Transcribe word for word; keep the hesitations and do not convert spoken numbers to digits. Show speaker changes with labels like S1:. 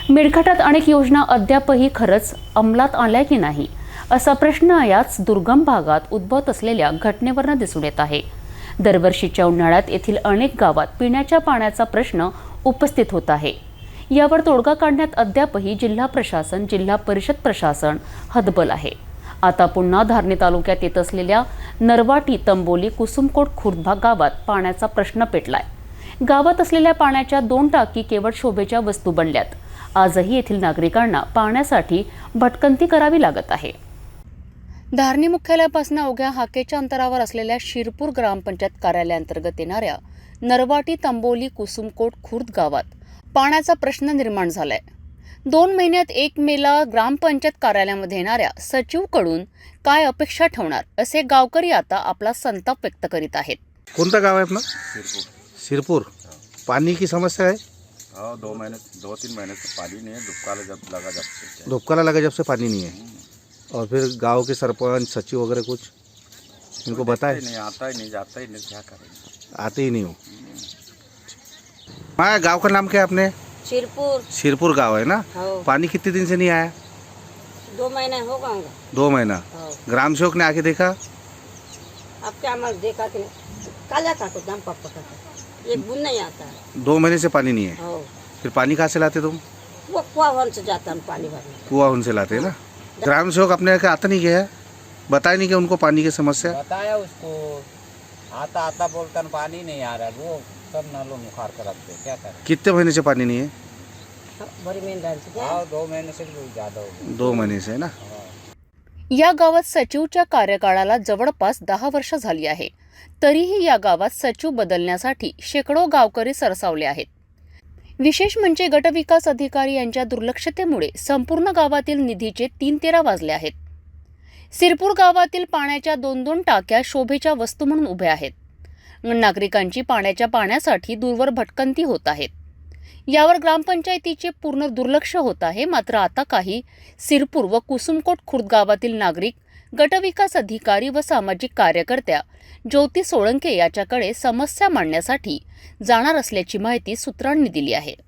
S1: मिरघाटात अनेक योजना अद्यापही खरंच अंमलात आल्या की नाही असा प्रश्न याच दुर्गम भागात उद्भवत असलेल्या घटनेवरून दिसून येत आहे। दरवर्षीच्या उन्हाळ्यात येथील अनेक गावात पिण्याच्या पाण्याचा प्रश्न उपस्थित होत आहे। यावर तोडगा काढण्यात अद्यापही जिल्हा प्रशासन, जिल्हा परिषद प्रशासन हतबल आहे। आता पुन्हा धारणी तालुक्यात येत असलेल्या नरवाटी, तंबोली, कुसुमकोट खुर्द गावात पाण्याचा प्रश्न पेटलाय। गावात असलेल्या पाण्याच्या दोन टाकी केवळ शोभेच्या वस्तू बनल्यात। आजही येथील नागरिकांना पाण्यासाठी भटकंती करावी लागत आहे। धारणी मुख्यालयापासून अवघ्या हाकेच्या अंतरावर असलेल्या शिरपूर ग्रामपंचायत कार्यालयाअंतर्गत येणाऱ्या नरवाटी, तंबोली, कुसुमकोट खुर्द गावात पाण्याचा प्रश्न निर्माण झालाय। दोन महिन्यात एक मेला ग्रामपंचायत कार्यालयामध्ये येणाऱ्या सचिवकडून काय अपेक्षा ठेवणार असे गावकरी आता आपला संताप व्यक्त करीत आहेत।
S2: कोणता गाव आहे अपना?
S3: सिरपुर।
S2: सिरपुर। पानी की समस्या है?
S3: हाँ, दो महीने दो तीन महीने से पानी नहीं है। दुबकाला जब लगा जब से
S2: दुबकाला लगा जब से पानी नहीं है। और फिर गांव के सरपंच, सचिव वगैरह कुछ इनको बताए?
S3: नहीं, आता ही नहीं, जाता ही नहीं, क्या करेंगे,
S2: आते ही नहीं हो। हाँ, गांव का नाम क्या है आपने?
S4: सिरपुर।
S2: सिरपुर गांव है ना?
S4: हो।
S2: पानी कितने दिन से नहीं आया?
S4: दो महीने हो गए।
S2: दो महीना।
S4: हो।
S2: ग्राम सेवक ने आके देखा?
S4: अब क्या हमारे देखा कि काला का को दम पक पका एक बूंद नहीं आता है।
S2: दो महीने से पानी नहीं है।
S4: हो।
S2: फिर पानी कहाँ से लाते तुम?
S4: वो कुआं से जाता हम पानी भरने।
S2: कुआं उनसे लाते है ना? ग्राम सेवक अपने यहाँ आता नहीं गया है? बताया नहीं कि उनको पानी की समस्या?
S5: बताया उसको, आता आता बोलता पानी नहीं आ रहा, वो सब नालों मुखार कर रखते, क्या करें।
S2: कितने महीने से पानी नहीं है?
S4: बड़ी मेहनत से क्या?
S5: हाँ, दो महीने से भी ज़्यादा हो गया।
S2: दो महीने से है ना?
S1: या गावात सचिवच्या कार्यकाळाला जवळपास दहा वर्ष झाली आहे। तरीही या गावात सचिव बदलण्यासाठी शेकडो गावकरी सरसावले आहेत। विशेष म्हणजे गटविकास अधिकारी यांच्या दुर्लक्षतेमुळे संपूर्ण गावातील निधीचे तीन तेरा वाजले आहेत। सिरपूर गावातील पाण्याच्या दोन दोन टाक्या शोभेच्या वस्तू म्हणून उभ्या आहेत। नागरिकांची पाण्याच्या पाण्यासाठी दूरवर भटकंती होत आहेत। यावर ग्रामपंचायतीचे पूर्ण दुर्लक्ष होत आहे। मात्र आता काही सिरपूर व कुसुमकोट खुर्द गावातील नागरिक, गटविकास अधिकारी व सामाजिक कार्यकर्त्या ज्योती सोळंके याच्याकडे समस्या मांडण्यासाठी जाणार असल्याची माहिती सूत्रांनी दिली आहे।